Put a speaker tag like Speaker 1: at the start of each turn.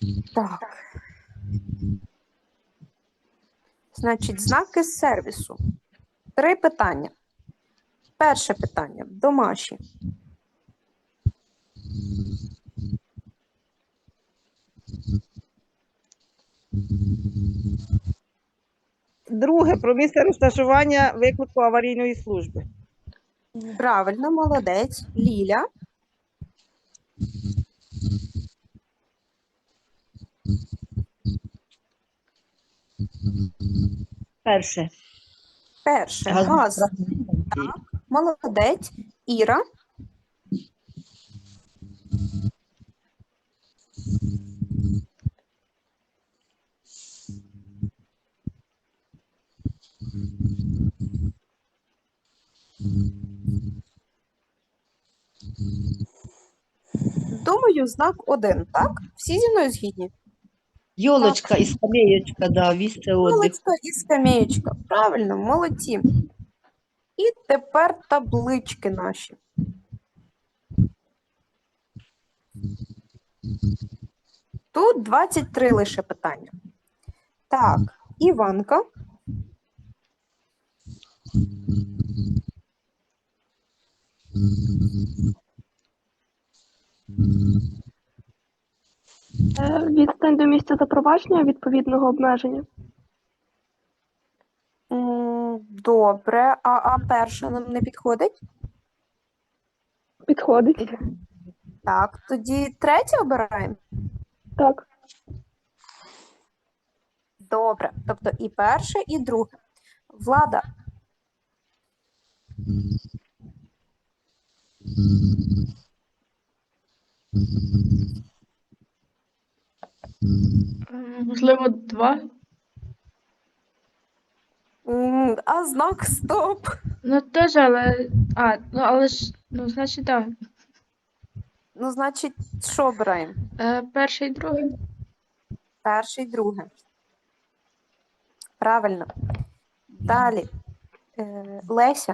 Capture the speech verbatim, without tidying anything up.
Speaker 1: Так. Значить, знаки сервісу. Три питання. Перше питання. Домашні.
Speaker 2: Друге, про місце розташування виклику аварійної служби.
Speaker 1: Правильно, молодець. Ліля.
Speaker 3: Перше.
Speaker 1: Перше.
Speaker 3: Газ.
Speaker 1: Газ. Так. Молодець. Іра. Думаю, знак один, так? Всі зі мною згідні?
Speaker 3: Йолочка і скамеєчка, да, місце отдиху.
Speaker 1: Паличка і скамеєчка. Правильно, молодці. І тепер таблички наші. Тут двадцять три лише питання. Так, Іванка.
Speaker 4: Е, Відстань до місця запровадження відповідного обмеження.
Speaker 1: М, Добре, а, а перша нам не підходить?
Speaker 4: Підходить.
Speaker 1: Так, тоді третє обираємо.
Speaker 4: Так.
Speaker 1: Добре, тобто і перше, і друге. Влада.
Speaker 5: Можливо, два.
Speaker 1: М, А знак стоп.
Speaker 5: Ну теж, але. А, ну але ж. Ну, значить, так.
Speaker 1: Ну, значить, що обираємо?
Speaker 5: Е, перший і другий.
Speaker 1: Перше і друге. Правильно. Далі. Е, Леся.